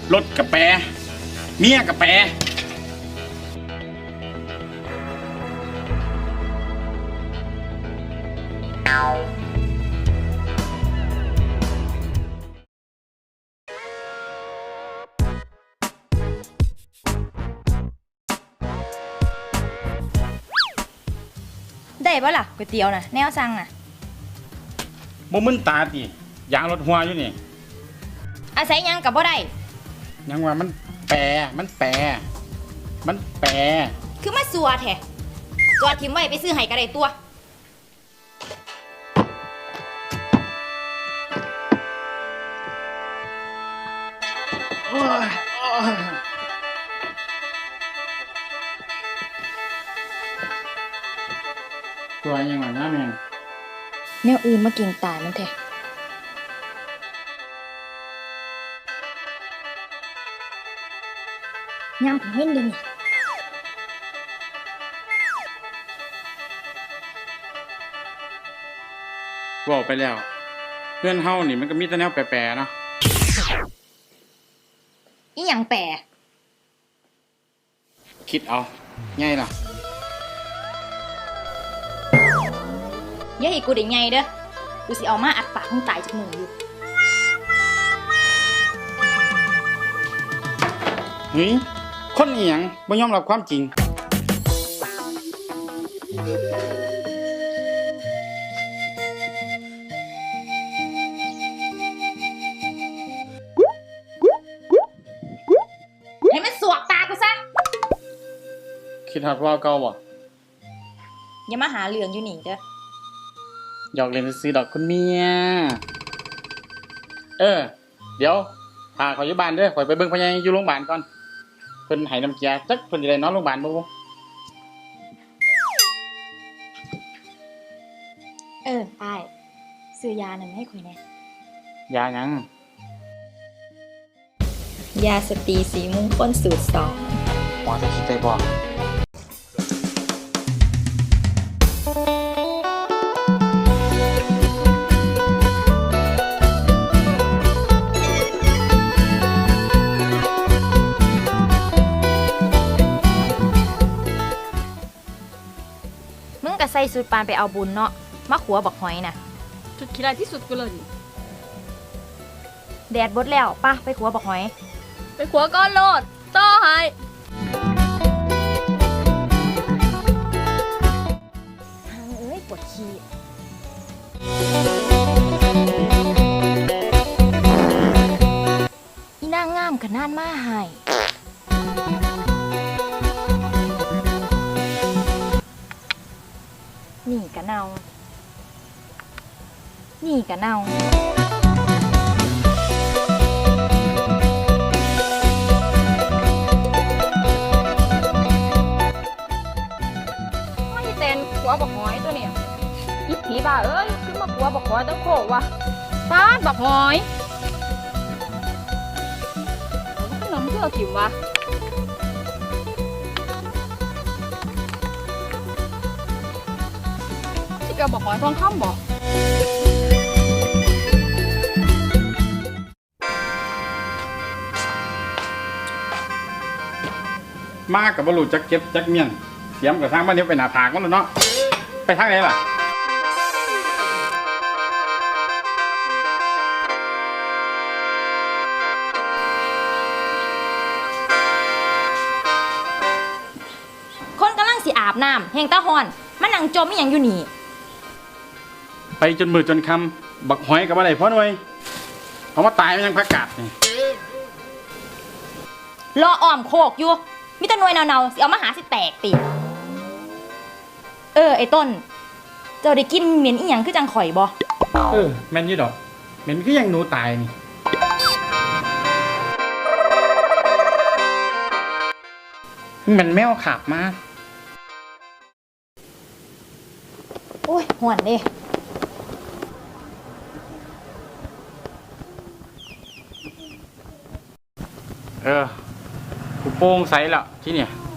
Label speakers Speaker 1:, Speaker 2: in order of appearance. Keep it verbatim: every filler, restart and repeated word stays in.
Speaker 1: รถกระแปรเมียกระแปร
Speaker 2: ได้ปะล่ะก๋วยเตี๋ยวน่ะแนวสั่งน่ะ
Speaker 1: บ่มึนตาติยางรถหัวอยู่นี่
Speaker 2: อาศัยยังกับบ่ได้
Speaker 1: ยังว่ามันแปรมันแปรมันแปร
Speaker 2: คือมาสัวแท้จอดทิ้งไว้ไปซื้อไห้ก็ได้ตัว
Speaker 1: ตัวยังว่าน้าแมง
Speaker 2: แนวอื่นมาเก่งตายมันแท้ยามผมเห็นดินี่
Speaker 1: บอกไปแล้วเพื่อนเฮานี่มันก็มีแต่แนวแปรๆเนาะ
Speaker 2: อีหยังแปร
Speaker 1: คิดเอาง่ายล่ะ
Speaker 2: อย่าให้กูได้ไงเด้อกูสิเอามาอัดปากมึงตายจากมืออยู่
Speaker 1: เฮ้ยคนอีหยังบ่ยอมรับความจริง
Speaker 2: ให้มันสวกตากูซะ
Speaker 1: คิดฮอดว่าเก่าบ่
Speaker 2: อย่ามาหาเรื่องอยู่นี่เด้อ
Speaker 1: หยอกเล่นซื้อดอกคุณเมียเออเดี๋ยวพาเขาอยู่บ้านเด้อข่อยไปเบิ่งพ่อใหญ่อยู่โรงพยาบาลก่อนเพิ่นให้น้ำเกลือจักเพิ่นสิได้นอนโรงพยาบาลบ่
Speaker 2: เอออ้ายซื้อยาหนึ่งให้ข่อยแน่
Speaker 1: ยาหยัง
Speaker 2: ยาสตรีสีมงคลสูตรสอง
Speaker 1: หมอจะคิดได้บ่
Speaker 2: มึงก็ใส่สูตรปานไปเอาบุญเนาะมาขัวบักหอยน่ะ
Speaker 3: จุดขี้ร้ายที่สุดกูเลย
Speaker 2: แดดบดแล้วป่ะไปขัวบักหอย
Speaker 3: ไปขัวก้อนโลดต่อให้
Speaker 2: ทางเอ้ยปวดขี้อีนางงามขนาดมาให้นี่กะเนานี่กะเนา
Speaker 3: ไม่เต้นขัวบักหอยตัวเนี่ยอีผีบ้าเอ้ยขึ้นมาขัวบักหอยต้องโคกวะป้าบักหอยขึ้นน้ำเชื่อถิ่มวะที่เราบอกหอยทองคำบอก
Speaker 1: มากับบรูจักเก็บจักเมียนเสียมกับทางบ้านเนี้ยไปหน้าผากมันแล้วเนาะไปทางไหนล่ะ
Speaker 2: คนกำลังสิอาบน้ำแห่งตาฮอนมันนั่งจมอีหยังอยู่นี่
Speaker 1: ไปจนมือจนคำบักหอยกับอะไรพ่อหน่วยเอามาตายมันยังพักกาดนี่
Speaker 2: รออ้อมโคกอยู่มิตรหน่วยเนาๆสิเอามาหาสิแตกติเออไอ้ต้นเจ้าได้กินเหม็นอีหยังคือจังข่อยบ่
Speaker 1: เออแม่นยี่ดอกเหม็นคือยังหนูตายนี่มันแมวขับมา
Speaker 2: โอ้ยหวนเด้
Speaker 1: เออกูโป้งใสแล้วที่เนี่ย